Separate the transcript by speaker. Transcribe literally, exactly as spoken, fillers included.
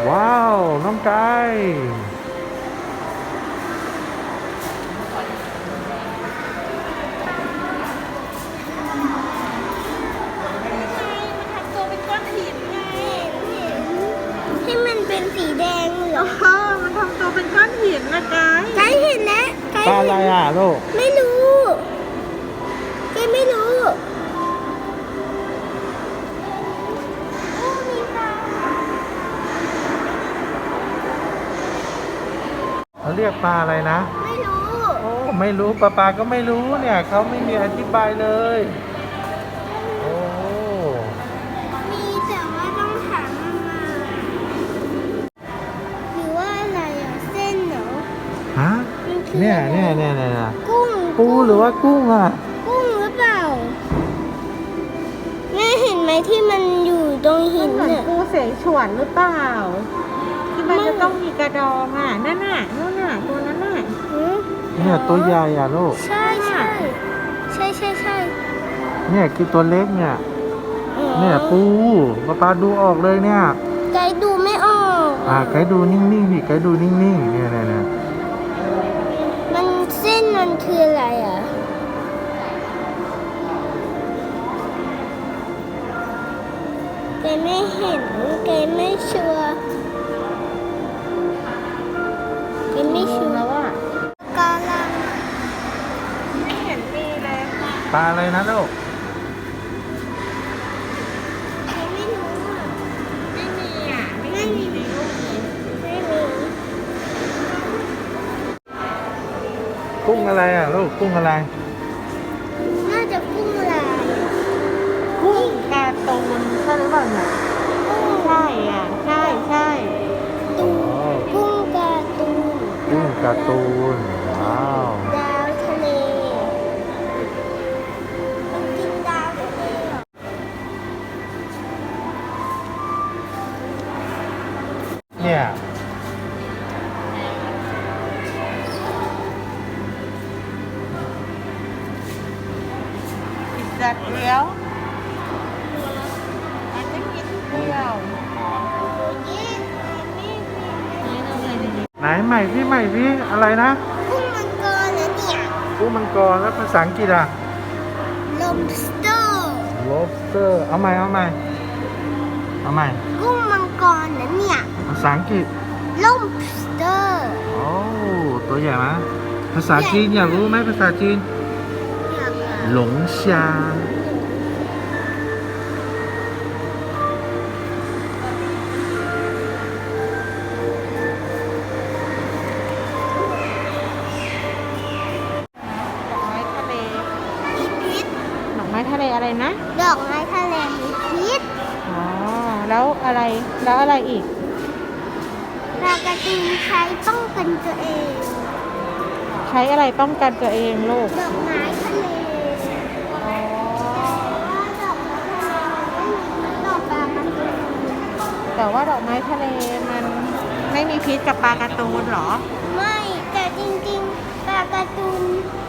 Speaker 1: ว้าวน้องไก่
Speaker 2: ที่มันเป็นสีแดงเหรอ
Speaker 3: อ๋อมันทำตัวเป็นก้อนหินนะกาย
Speaker 2: ไกด์เห็นแล้วไกด์
Speaker 1: ปลาอะไรอ่ะลูก
Speaker 2: ไม่รู้ไกด์ไม่รู้โอ้มีปลา
Speaker 1: เขาเรียกปลาอะไรนะ
Speaker 2: ไม่รู้
Speaker 1: โอ้ไม่รู้ปลาปลาก็ไม่รู้เนี่ยเขาไม่มีอธิบายเลยโอ้
Speaker 2: มีแต่ว่าต้องถามมันมาหรือว่าอะไรอ่ะเส้นเหรอ
Speaker 1: ฮะ
Speaker 2: มันคือ
Speaker 1: เนี่ย
Speaker 2: อะไร
Speaker 1: เนี่ยเนี่ยเนี่ย
Speaker 2: กุ้ง
Speaker 1: ปูหรือว่ากุ้งอ่ะ
Speaker 2: กุ้งหรือเปล่าแม่เห็นไหมที่มันอยู่ตรงหิ
Speaker 3: มัน
Speaker 2: น
Speaker 3: เหมือน
Speaker 2: เนี่ย
Speaker 3: ปูเสฉวนหรือเปล่า ที่มัน
Speaker 2: ไม่
Speaker 3: จะต้องมีกระดองอ่ะนั่นน่ะนู่นน่ะตัวนั้นน่ะ
Speaker 2: หือ
Speaker 1: เนี่ยตัวใหญ่อ่ะลูก
Speaker 2: ใช่ใช่ใช่ใช่ใช่
Speaker 1: เนี่ยคือตัวเล็กเนี่ย
Speaker 2: อ๋อ
Speaker 1: เนี่ยปูปลาปลาดูออกเลยเนี่ย
Speaker 2: ไกด์ดูไม่ออก
Speaker 1: อ่าไกด์ดูนิ่งๆดิไกด์ดูนิ่งๆเนี่ยเนี่ยเนี่ย
Speaker 2: มันเส้นมันคืออะไรอ่ะไกด์ไม่เห็นไกด์ไม่ชัวร์ไกด์ไม่ชัว
Speaker 3: แล้
Speaker 2: ร์
Speaker 3: วอ่ะ
Speaker 2: กาลัง
Speaker 3: ไม่เห็นมีเลย
Speaker 1: ปลาอะไรนะลูก
Speaker 2: ไกด์ไม่รู้อ่ะ
Speaker 3: ไม่มีอ่ะไม่เห็นมีในรูปเลย
Speaker 2: ไม่มี
Speaker 1: กุ้งอะไรอ่ะลูกกุ้งอะไร
Speaker 2: น่าจะกุ้งลาย
Speaker 3: กุ้งการ์ตูนใช่หรือเปล่าเนี่ยใช่อ่ะใช่ใช่
Speaker 2: ตูนกุ้งการ์ตูน
Speaker 1: กุ้งการ์ตูนว้าว
Speaker 2: ดาวทะเลมันกินดาวทะเลเหรอ
Speaker 1: เนี่ย
Speaker 3: กินจัดเลี้ยวมันจะกินเปรี้ยว
Speaker 2: นี่นี่นี่
Speaker 3: นี่เราเลยดี
Speaker 1: ไหนใหม่พี่ใหม่พี่อะไรนะ
Speaker 2: กุ้งมังกรนะเนี่ย
Speaker 1: กุ้งมังกรแล้วภาษาอังกฤษอ่ะ
Speaker 2: lobster
Speaker 1: lobster เอาใหม่เอาใหม่เอาใหม่
Speaker 2: กุ้งมังกรนะเนี่ย
Speaker 1: ภาษาอังกฤษ
Speaker 2: lobster
Speaker 1: โอ้ตัวใหญ่ไหมภาษาจีนอยากรู้ไหมภาษาจีน
Speaker 2: อยากอ่ะ
Speaker 1: หลงชา
Speaker 3: ดอกไม้ทะเล
Speaker 2: มีพิษ
Speaker 3: ดอกไม้ทะเลอะไรนะ
Speaker 2: ดอกไม้ทะเลมีพิษ
Speaker 3: อ๋อ แล้วอะไร แล้วอะไรอีก
Speaker 2: ปลากระตูนใช้ป้องกันตัวเอง
Speaker 3: ใช้อะไรป้องกันตัวเองลูก
Speaker 2: ดอกไม้ทะเลดอกไม้ทะเลมันไม่มีดอกปลากระตูน
Speaker 3: แต่ว่าดอกไม้ทะเลมันไม่มีพิษกับปลาการ์ตูนเหรอ
Speaker 2: ไม่แต่จริงๆปลาการ์ตูน